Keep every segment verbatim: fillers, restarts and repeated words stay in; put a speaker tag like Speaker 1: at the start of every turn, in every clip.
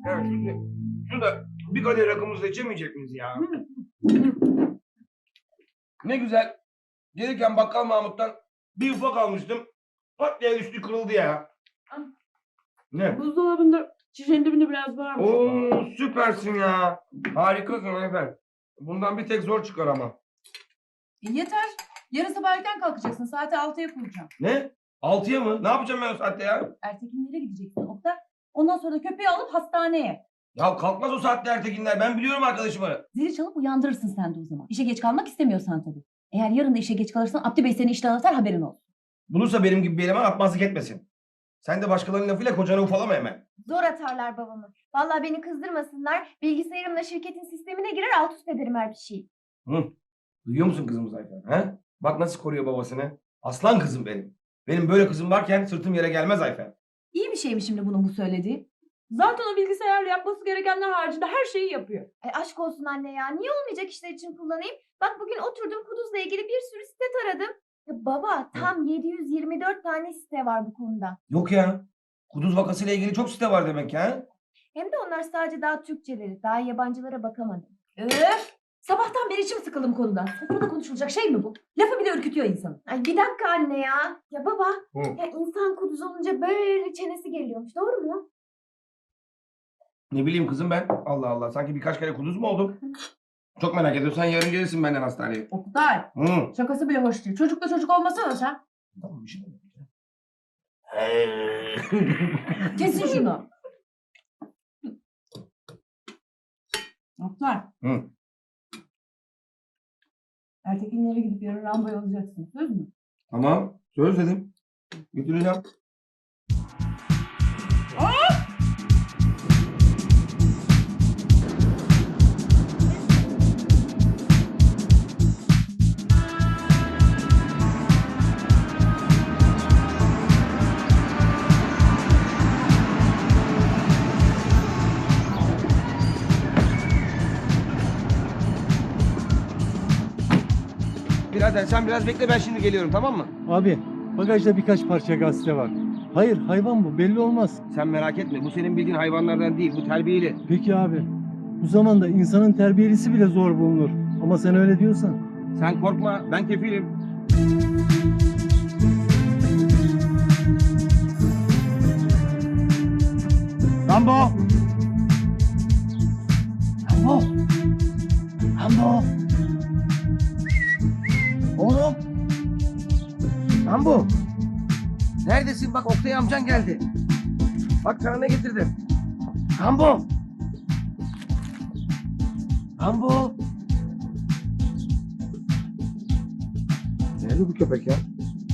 Speaker 1: Evet, şimdi şurada bir kadeh rakımızı içemeyecek miyiz ya? Ne güzel. Gelirken bakkal Mahmut'tan bir ufak almıştım. Pat diye üstü kırıldı ya. Ne?
Speaker 2: Buzdolabında şişenin dibinde biraz var mı?
Speaker 1: Oo, süpersin ya. Harikasın efendim. Bundan bir tek zor çıkar ama.
Speaker 2: E yeter. Yarın sabah erken kalkacaksın. Saati altıya kuracağım.
Speaker 1: Ne? Altıya mı? Ne yapacağım ben o saatte ya?
Speaker 2: Ertekinlere gideceksin Oktay. Ondan sonra da köpeği alıp hastaneye.
Speaker 1: Ya kalkmaz o saatte Ertekinler. Ben biliyorum arkadaşımı.
Speaker 2: Zili çalıp uyandırırsın sen de o zaman. İşe geç kalmak istemiyorsan tabii. Eğer yarın da işe geç kalırsan Abdü Bey seni işten atar, haberin olsun.
Speaker 1: Bulursa benim gibi bir eleman atmazlık etmesin. Sen de başkalarının lafıyla kocanı ufalama hemen.
Speaker 3: Zor atarlar babamı. Vallahi beni kızdırmasınlar. Bilgisayarımla şirketin sistemine girer alt üst ederim her bir şeyi.
Speaker 1: Hı. Duyuyor musun kızımız Ayfer? He? Bak nasıl koruyor babasını. Aslan kızım benim. Benim böyle kızım varken sırtım yere gelmez Ayfer.
Speaker 2: İyi bir şey mi şimdi bunun bu söylediği? Zaten o bilgisayarla yapması gerekenler haricinde her şeyi yapıyor.
Speaker 3: Ay aşk olsun anne ya. Niye olmayacak işler için kullanayım? Bak bugün oturdum Kuduz'la ilgili bir sürü site taradım. Ya baba tam yedi yüz yirmi dört tane site var bu konuda.
Speaker 1: Yok ya. Kuduz vakasıyla ilgili çok site var demek ya.
Speaker 3: Hem de onlar sadece daha Türkçeleri. Daha yabancılara bakamadım.
Speaker 2: Öf! Sabahtan beri içim sıkıldı bu konuda. Sofrada konuşulacak şey mi bu? Lafı bile ürkütüyor insanı.
Speaker 3: Ay bir dakika anne ya. Ya baba
Speaker 1: Hı.
Speaker 3: ya insan Kuduz olunca böyle çenesi geliyormuş. Doğru mu?
Speaker 1: Ne bileyim kızım ben. Allah Allah. Sanki birkaç kere kuduz mu oldum? Çok merak ediyorsan yarın gelirsin benden hastaneye.
Speaker 2: Oktay!
Speaker 1: Hı.
Speaker 2: Şakası bile hoş değil. Çocukla çocuk olmasana sen.
Speaker 1: Tamam bir şey mi?
Speaker 2: Kesin şunu. Oktay.
Speaker 1: Hı.
Speaker 2: Ertekinlere gidip yarın Rambo'yu alacaksın. Söz mü?
Speaker 1: Tamam. Söz dedim. Götüreceğim. Birader sen biraz bekle ben şimdi geliyorum tamam mı?
Speaker 4: Abi bagajda birkaç parça gazete var. Hayır hayvan bu belli olmaz.
Speaker 1: Sen merak etme bu senin bildiğin hayvanlardan değil bu terbiyeli.
Speaker 4: Peki abi bu zamanda insanın terbiyelisi bile zor bulunur. Ama sen öyle diyorsan.
Speaker 1: Sen korkma ben kefilim. Rambo! Rambo! Rambo! Oğlum! Rambo! Neredesin? Bak Oktay amcan geldi. Bak sana ne getirdim. Rambo! Rambo! Nerede bu köpek ya?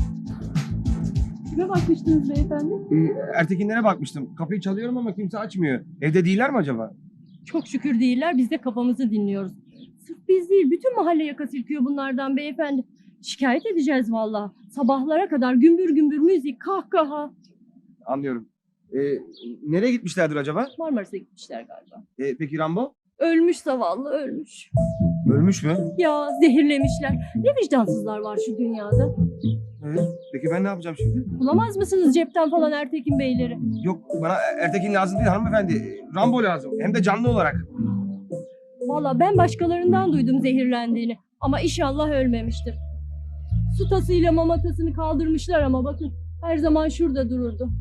Speaker 2: Kime bakmıştınız beyefendi?
Speaker 1: Ee, Ertekinlere bakmıştım. Kapıyı çalıyorum ama kimse açmıyor. Evde değiller mi acaba?
Speaker 5: Çok şükür değiller. Biz de kafamızı dinliyoruz. Sırf biz değil, bütün mahalle yaka silkiyor bunlardan beyefendi. Şikayet edeceğiz vallahi. Sabahlara kadar gümbür gümbür müzik, kahkaha.
Speaker 1: Anlıyorum. Ee, nereye gitmişlerdir acaba?
Speaker 5: Marmaris'e gitmişler galiba.
Speaker 1: Ee, peki Rambo?
Speaker 5: Ölmüş zavallı, ölmüş.
Speaker 1: Ölmüş mü?
Speaker 5: Ya zehirlemişler. Ne vicdansızlar var şu dünyada.
Speaker 1: Evet. Peki ben ne yapacağım şimdi?
Speaker 5: Bulamaz mısınız cepten falan Ertekin Beyleri?
Speaker 1: Yok bana Ertekin lazım değil hanımefendi. Rambo lazım. Hem de canlı olarak.
Speaker 5: Vallahi ben başkalarından duydum zehirlendiğini. Ama inşallah ölmemiştir. Su tasıyla mamatasını kaldırmışlar ama bakın. Her zaman şurada dururdu.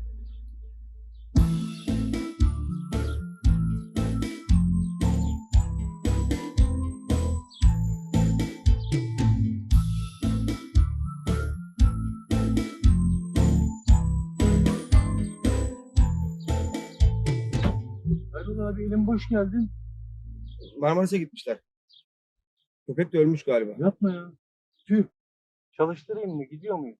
Speaker 4: Erol abi elim boş geldin.
Speaker 1: Marmaris'e gitmişler. Köpek de ölmüş galiba.
Speaker 4: Yapma ya. Tüh. Çalıştırayım mı? Gidiyor muyum?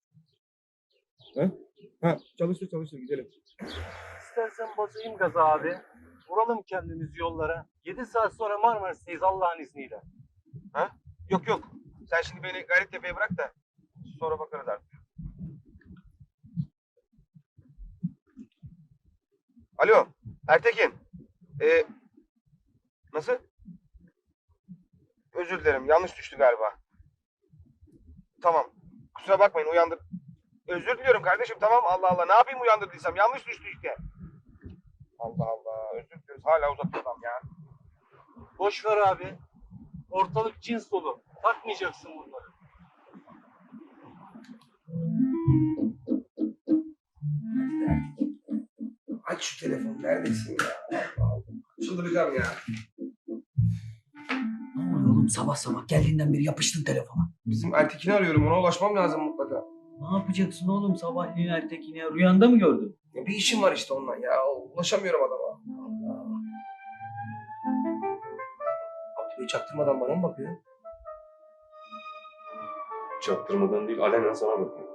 Speaker 1: Ha, çalıştır çalıştır gidelim.
Speaker 4: İstersen basayım gaza abi. Vuralım kendimiz yollara. Yedi saat sonra Marmaris'teyiz Allah'ın izniyle.
Speaker 1: Ha? Yok yok. Sen şimdi beni Gayrettepe'ye bırak da sonra bakarız artık. Alo, Ertekin. Ee, nasıl? Özür dilerim, yanlış düştü galiba. Tamam, kusura bakmayın uyandır. Özür diliyorum kardeşim tamam Allah Allah. Ne yapayım uyandırdıysam yanlış düştü işte. Allah Allah. Özür dileriz. Hala uzatıyor adam ya.
Speaker 4: Boş ver abi. Ortalık cins dolu. Takmayacaksın bunları.
Speaker 1: Aç şu telefonu. Neredesin ya? Allah Allah. Çıldıracağım ya.
Speaker 6: Ne oluyor oğlum sabah sabah geldiğinden beri yapıştın telefona.
Speaker 1: Bizim Ertekin'i arıyorum. Ona ulaşmam lazım mutlaka.
Speaker 6: Ne yapacaksın oğlum sabahleyin Ertekin'e? Rüyanda mı gördün?
Speaker 1: Ya bir işim var işte ondan ya. Ulaşamıyorum adama. Allah. Abdü Bey çaktırmadan bana mı bakıyor? Çaktırmadan değil, alenen sana bakıyor.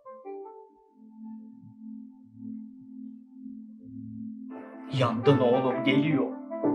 Speaker 6: Yandın oğlum geliyor.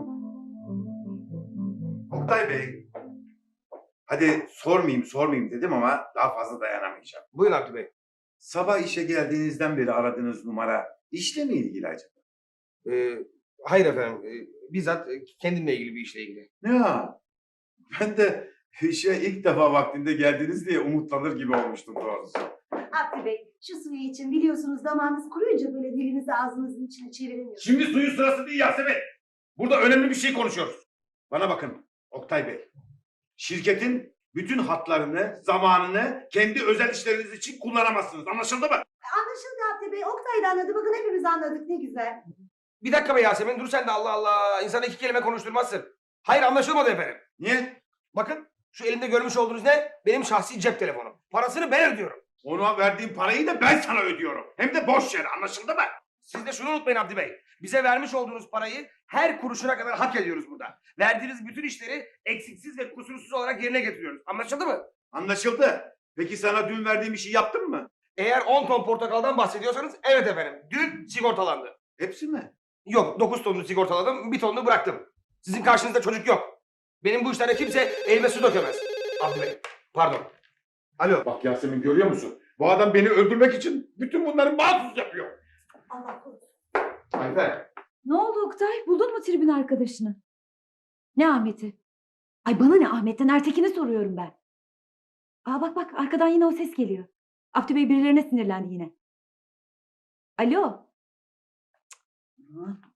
Speaker 7: Oktay Bey. Hadi sormayayım sormayayım dedim ama daha fazla dayanamayacağım.
Speaker 1: Buyurun Abdü Bey.
Speaker 7: Sabah işe geldiğinizden beri aradığınız numara işle mi ilgili acaba?
Speaker 1: Ee, hayır efendim. Ee, bizzat e, kendimle ilgili bir işle ilgili.
Speaker 7: Ya ben de işe ilk defa vaktinde geldiniz diye umutlanır gibi olmuştum doğrusu.
Speaker 8: Abdü Bey, şu suyu için biliyorsunuz damağınız kuruyunca böyle dilinizi ağzınızın içine çeviremiyorsunuz.
Speaker 7: Şimdi suyun sırası değil Yasemin. Burada önemli bir şey konuşuyoruz. Bana bakın Oktay Bey. Şirketin bütün hatlarını, zamanını kendi özel işleriniz için kullanamazsınız. Anlaşıldı mı?
Speaker 8: Anlaşıldı Abdü Bey, Oktay da anladı. Bakın hepimiz anladık, ne güzel.
Speaker 1: Bir dakika be Yasemin. Dur sen de Allah Allah. İnsana iki kelime konuşturmazsın. Hayır anlaşılmadı efendim.
Speaker 7: Niye?
Speaker 1: Bakın şu elimde görmüş olduğunuz ne? Benim şahsi cep telefonum. Parasını ben ödüyorum.
Speaker 7: Ona verdiğim parayı da ben sana ödüyorum. Hem de boş yere anlaşıldı mı?
Speaker 1: Siz de şunu unutmayın Abdi Bey. Bize vermiş olduğunuz parayı her kuruşuna kadar hak ediyoruz burada. Verdiğiniz bütün işleri eksiksiz ve kusursuz olarak yerine getiriyoruz. Anlaşıldı mı?
Speaker 7: Anlaşıldı. Peki sana dün verdiğim işi yaptın mı?
Speaker 1: Eğer on ton portakaldan bahsediyorsanız evet efendim. Dün sigortalandı.
Speaker 7: Hepsi mi?
Speaker 1: Yok dokuz tonunu sigortaladım, bir tonunu bıraktım. Sizin karşınızda çocuk yok. Benim bu işlere kimse elime su dökemez. Abdi Bey, pardon. Alo.
Speaker 7: Bak Yasemin görüyor musun? Bu adam beni öldürmek için bütün bunları mahsus yapıyor.
Speaker 8: Allah korusun.
Speaker 1: Ayfer.
Speaker 2: Ne oldu Oktay? Buldun mu tribün arkadaşını? Ne Ahmet'i? Ay bana ne Ahmet'ten, Ertekin'i soruyorum ben. Aa bak bak arkadan yine o ses geliyor. Abdü Bey birilerine sinirlendi yine. Alo. Cık.